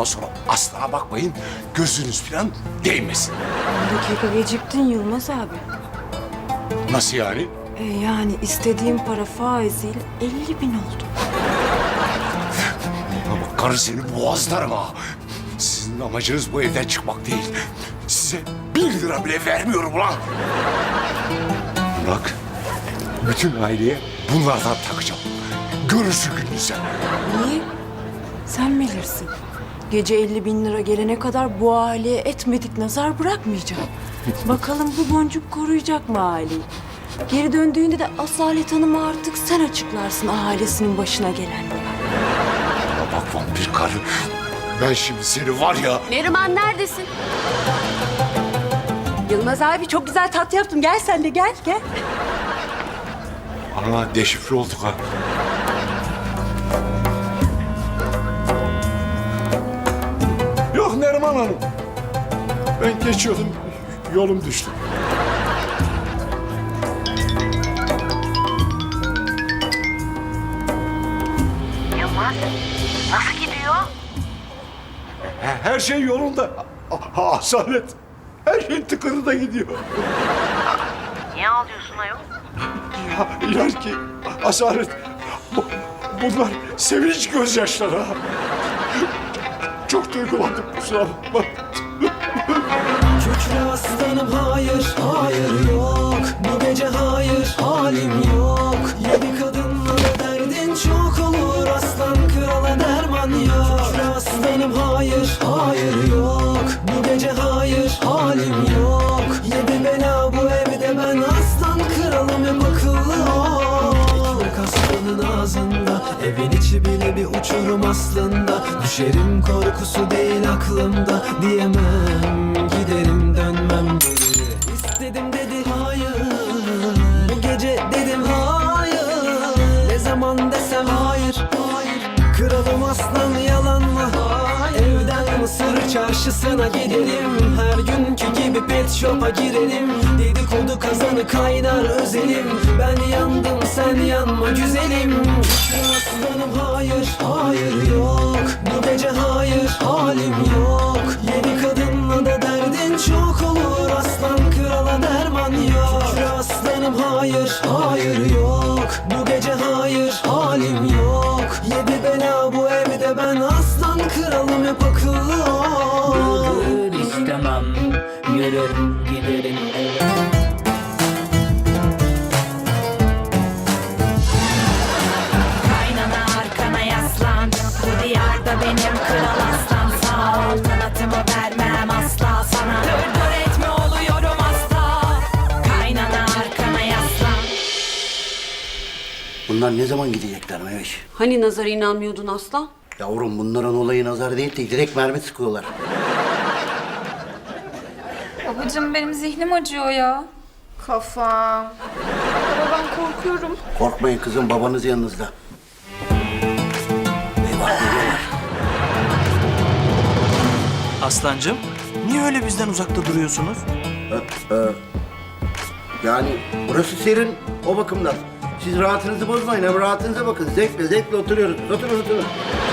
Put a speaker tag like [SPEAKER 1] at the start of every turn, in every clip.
[SPEAKER 1] Ondan sonra asla bakmayın, gözünüz falan değmesin.
[SPEAKER 2] 10 dakika geciktin Yılmaz abi.
[SPEAKER 1] Nasıl yani?
[SPEAKER 2] Yani istediğim para faiziyle 50.000 oldu.
[SPEAKER 1] Ama karı seni boğazlarım ha. Sizin amacınız bu evden çıkmak değil. Size 1 lira bile vermiyorum ulan. Bak, bütün aileye bunlardan takacağım. Görürsün gününü sen.
[SPEAKER 2] Niye? Sen bilirsin. Gece 50.000 lira gelene kadar bu aileye etmedik nazar bırakmayacağım. Bakalım bu boncuk koruyacak mı aileyi? Geri döndüğünde de Asalet Hanım'a artık sen açıklarsın ailesinin başına gelenleri.
[SPEAKER 1] Bana bak vampir karı. Ben şimdi seni var ya...
[SPEAKER 3] Neriman neredesin?
[SPEAKER 2] Yılmaz abi çok güzel tat yaptım. Gel sen de gel.
[SPEAKER 1] Ana deşifre olduk ha. Yok Neriman Hanım. Ben geçiyordum, yolum düştü.
[SPEAKER 4] Yılmaz, nasıl gidiyor?
[SPEAKER 1] Her şey yolunda. Asalet. Her şey tıkırında gidiyor.
[SPEAKER 4] Niye ağlıyorsun ayol?
[SPEAKER 1] Ya inan ki Asalet. Bunlar sevinç gözyaşları ha. Çok duygulandım, kusura bakma.
[SPEAKER 5] Kükre aslanım hayır, hayır yok. Bu gece hayır, halim yok. Yedi kadınla da derdin çok olur. Aslan krala derman yok. Kükre aslanım hayır, hayır yok. Bu gece hayır, halim yok. Yedi bela bu evde ben aslan kralım hep akıllı ol. Ekmek aslanın ağzında, evin içi bile bir uçurum aslında. Düşerim korkusu değil aklımda, diyemem giderim dönmem geri. İstedim dedi hayır, bu gece dedim hayır. Ne zaman desem hayır, hayır. Kralım aslan yalan mı? Evden Mısır çarşısına gidelim. Her günkü gibi pet shop'a girelim. Dedikodu kazanı kaynar özelim. Ben yandım sen yanma güzelim. Kükre aslanım hayır, hayır yok. Bu gece hayır, halim yok. Yedi kadınla da derdin çok olur. Aslan krala derman yok. Kükre aslanım hayır, hayır yok. Bu gece hayır, halim yok. Yedi bela bu evde ben aslan kralım hep akıllı ol.
[SPEAKER 6] Bugün istemem, yürür giderim eve.
[SPEAKER 7] Kaynana arkana yaslan. Bu diyarda benim kral aslan. Sağ ol kanatımı vermem asla sana. Dur etme oluyorum asla. Kaynana arkana yaslan.
[SPEAKER 8] Bunlar ne zaman gidecekler Meveş?
[SPEAKER 3] Hani nazara inanmıyordun aslan?
[SPEAKER 8] Yavrum bunların olayı nazar değil de direkt mermi sıkıyorlar.
[SPEAKER 9] Babacığım benim zihnim acıyor ya. Kafam. Baba ben korkuyorum.
[SPEAKER 8] Korkmayın kızım, babanız yanınızda. Eyvah geliyorlar.
[SPEAKER 10] Aslancığım, niye öyle bizden uzakta duruyorsunuz?
[SPEAKER 8] Yani burası serin o bakımdan. Siz rahatınızı bozmayın, hem rahatınıza bakın. Zevkle oturuyoruz. Oturun.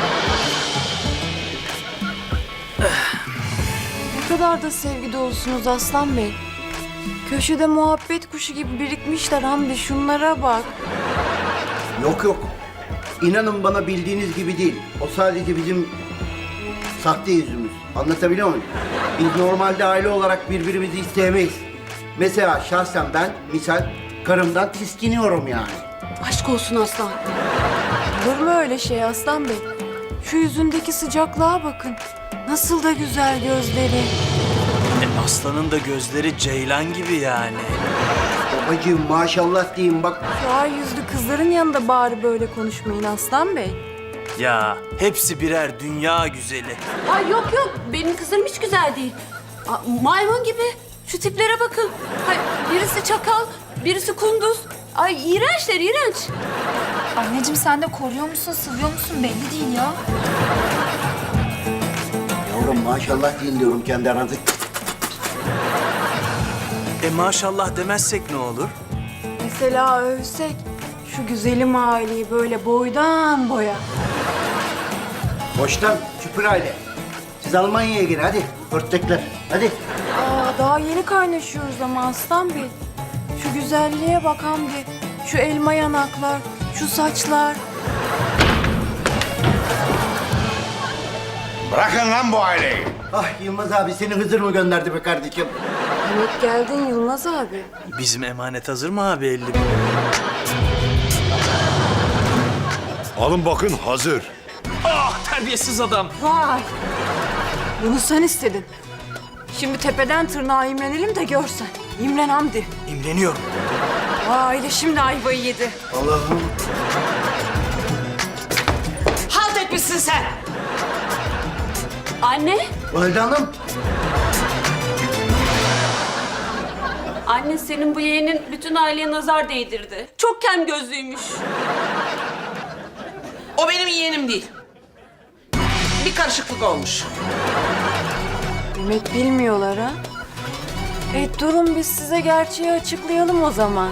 [SPEAKER 2] Ne kadar da sevgi dolusunuz Aslan Bey. Köşede muhabbet kuşu gibi birikmişler Hamdi. Şunlara bak.
[SPEAKER 8] Yok. İnanın bana bildiğiniz gibi değil. O sadece bizim sahte yüzümüz. Anlatabiliyor muyum? Biz normalde aile olarak birbirimizi hiç sevmeyiz. Mesela şahsen ben misal karımdan tiskiniyorum yani.
[SPEAKER 3] Aşk olsun aslan.
[SPEAKER 2] Olur mu öyle şey Aslan Bey? Şu yüzündeki sıcaklığa bakın. Nasıl da güzel gözleri.
[SPEAKER 10] Aslanın da gözleri ceylan gibi yani.
[SPEAKER 8] Babacığım maşallah diyeyim bak.
[SPEAKER 2] Şu ay yüzlü kızların yanında bari böyle konuşmayın Aslan Bey.
[SPEAKER 10] Ya hepsi birer dünya güzeli.
[SPEAKER 3] Ay yok benim kızlarım hiç güzel değil. Maymun gibi. Şu tiplere bakın. Ay, birisi çakal, birisi kunduz. Ay iğrençler iğrenç.
[SPEAKER 9] Anneciğim sen de koruyor musun, sıvıyor musun belli değil ya.
[SPEAKER 8] Yavrum maşallah deyin diyorum kendi aranızda.
[SPEAKER 10] Maşallah demezsek ne olur?
[SPEAKER 2] Mesela övsek şu güzelim aileyi böyle boydan boya.
[SPEAKER 8] Boştan süpür aile. Siz Almanya'ya girin hadi. Örtecekler. Hadi.
[SPEAKER 2] Aa, daha yeni kaynaşıyoruz ama Aslan Bey. Şu güzelliğe bak Hamdi. Şu elma yanaklar, şu saçlar.
[SPEAKER 1] Bırakın lan bu aileyi.
[SPEAKER 8] Ah Yılmaz abi seni Hızır mı gönderdi be kardeşim?
[SPEAKER 2] Demek geldin Yılmaz abi.
[SPEAKER 10] Bizim emanet hazır mı abi 50 bin?
[SPEAKER 1] Alın bakın hazır.
[SPEAKER 10] Ah terbiyesiz adam.
[SPEAKER 2] Vay! Bunu sen istedin. Şimdi tepeden tırnağa imrenelim de görsen. İmren Hamdi.
[SPEAKER 10] İmreniyorum.
[SPEAKER 2] Aile şimdi ayvayı yedi.
[SPEAKER 8] Allah'ım.
[SPEAKER 7] Halt etmişsin sen.
[SPEAKER 3] Anne,
[SPEAKER 8] Valide Hanım.
[SPEAKER 3] anne senin bu yeğenin bütün aileye nazar değdirdi. Çok kem gözlüymüş.
[SPEAKER 7] O benim yeğenim değil. Bir karışıklık olmuş.
[SPEAKER 2] Demek bilmiyorlar ha. Durun biz size gerçeği açıklayalım o zaman.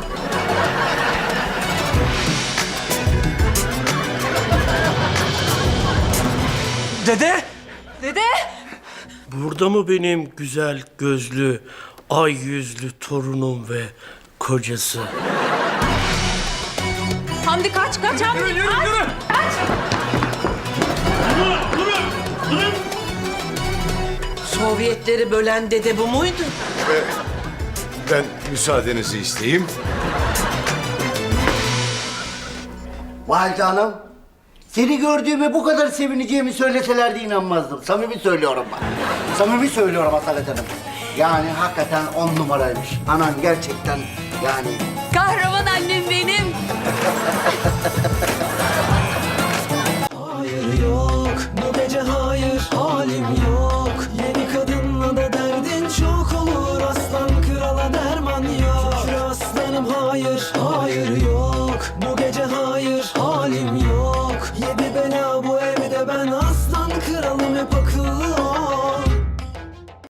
[SPEAKER 10] Dede!
[SPEAKER 2] Dede!
[SPEAKER 11] Burada mı benim güzel gözlü, ay yüzlü torunum ve kocası?
[SPEAKER 2] Hamdi kaç Hamdi. Kaç.
[SPEAKER 7] Sovyetleri bölen dede bu muydu?
[SPEAKER 1] Ben müsaadenizi isteyeyim.
[SPEAKER 8] Valide Hanım. Seni gördüğüme bu kadar sevineceğimi söyleselerdi inanmazdım. Samimi söylüyorum bak. Samimi söylüyorum Asalet Hanım. Yani hakikaten 10 numaraymış. Anan gerçekten yani...
[SPEAKER 3] Kahraman annem benim.